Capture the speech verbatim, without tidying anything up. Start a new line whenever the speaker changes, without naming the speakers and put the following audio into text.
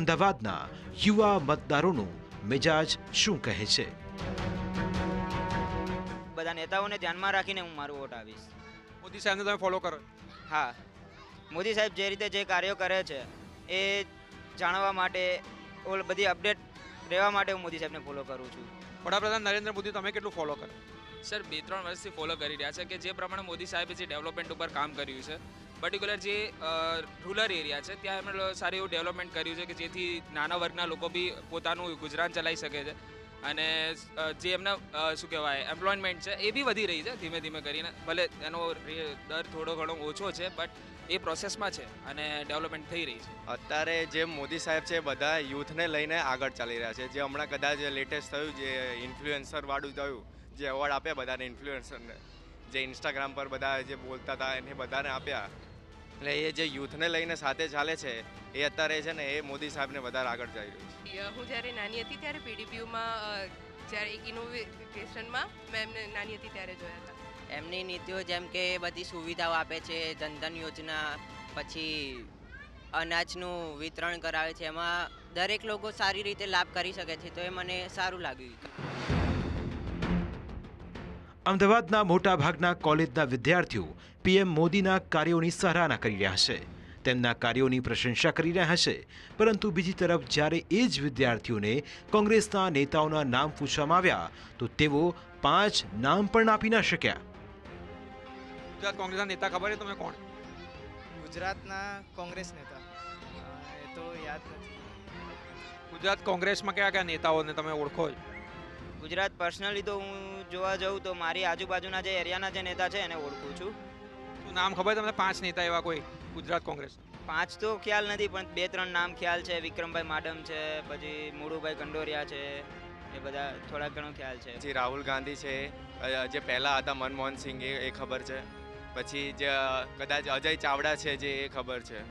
અમદાવાદના યુવા મતદારોનું મિજાજ શું કહે છે?
બધા નેતાઓને ધ્યાનમાં રાખીને હું મારું વોટ આપીશ.
મોદી સાહેબને તમે ફોલો કરો?
હા, મોદી સાહેબ જે રીતે જે કાર્યો કરે છે એ જાણવા માટે ઓલ બધી અપડેટ રહેવા માટે હું મોદી સાહેબને ફોલો કરું છું.
વડાપ્રધાન નરેન્દ્ર મોદી તમે કેટલું ફોલો કરો?
સર બે ત્રણ વર્ષથી ફોલો કરી રહ્યા છે કે જે પ્રમાણે મોદી સાહેબે જે ડેવલપમેન્ટ ઉપર કામ કર્યું છે, પર્ટિક્યુલર જે રૂરલ એરિયા છે ત્યાં એમણે સારું એવું ડેવલપમેન્ટ કર્યું છે કે જેથી નાના વર્ગના લોકો બી પોતાનું ગુજરાન ચલાવી શકે છે અને જે એમના શું કહેવાય એમ્પ્લોયમેન્ટ છે એ બી વધી રહી છે ધીમે ધીમે કરીને. ભલે એનો દર થોડો ઘણો ઓછો છે બટ એ પ્રોસેસમાં છે અને ડેવલપમેન્ટ થઈ રહી છે.
અત્યારે જે મોદી સાહેબ છે બધા યુથને લઈને આગળ ચાલી રહ્યા છે. જે હમણાં કદાચ લેટેસ્ટ થયું જે ઇન્ફ્લુએન્સર વાળું થયું, જે એવોર્ડ આપ્યા બધાને ઇન્ફ્લુએન્સરને, જે ઇન્સ્ટાગ્રામ પર બધા જે બોલતા હતા એને બધાને આપ્યા. એટલે એ જે યુથને લઈને સાથે ચાલે છે એ અત્યારે છે ને એ મોદી સાહેબને વધારે આગળ જઈ રહ્યું છે.
હું જ્યારે નાની હતી ત્યારે પીડીપીયુમાં જ્યારે એક ઇનોવેશનમાં મેં એમને નાની હતી ત્યારે જોયા હતા.
એમની નીતિઓ જેમ કે બધી સુવિધાઓ આપે છે, જનધન યોજના, પછી અનાજનું વિતરણ કરાવે છે, એમાં દરેક લોકો સારી રીતે લાભ કરી શકે છે, તો એ મને સારું લાગ્યું.
અમદાવાદના મોટાભાગના કોલેજના વિદ્યાર્થીઓ પીએમ મોદીના કાર્યોની સરાહના કરી રહ્યા છે, તેમના કાર્યોની પ્રશંસા કરી રહ્યા છે. પરંતુ બીજી તરફ જ્યારે એ જ વિદ્યાર્થીઓને કોંગ્રેસના નેતાઓના નામ પૂછવામાં આવ્યા તો તેઓ પાંચ નામ પણ આપી ન શક્યા.
ગુજરાત કોંગ્રેસના નેતા ખબર છે તમે કોણ?
ગુજરાતના કોંગ્રેસ નેતા એ તો યાદ નથી.
ગુજરાત કોંગ્રેસમાં કયા કયા નેતાઓને તમે ઓળખો છો?
ગુજરાત પર્સનલી તો હું જોવા જાઉં તો મારી આજુબાજુના જે એરિયાના જે નેતા છે એને ઓળખું છું.
શું નામ ખબર તમને? પાંચ નેતા એવા કોઈ ગુજરાત કોંગ્રેસ?
પાંચ તો ખ્યાલ નથી પણ બે ત્રણ નામ ખ્યાલ છે. વિક્રમભાઈ માડમ છે, પછી મુળુભાઈ કંડોરિયા છે, એ બધા થોડા ઘણો ખ્યાલ છે.
પછી રાહુલ ગાંધી છે, જે પહેલાં હતા મનમોહન સિંહ એ ખબર છે. પછી જે કદાચ અજય ચાવડા છે જે એ ખબર છે.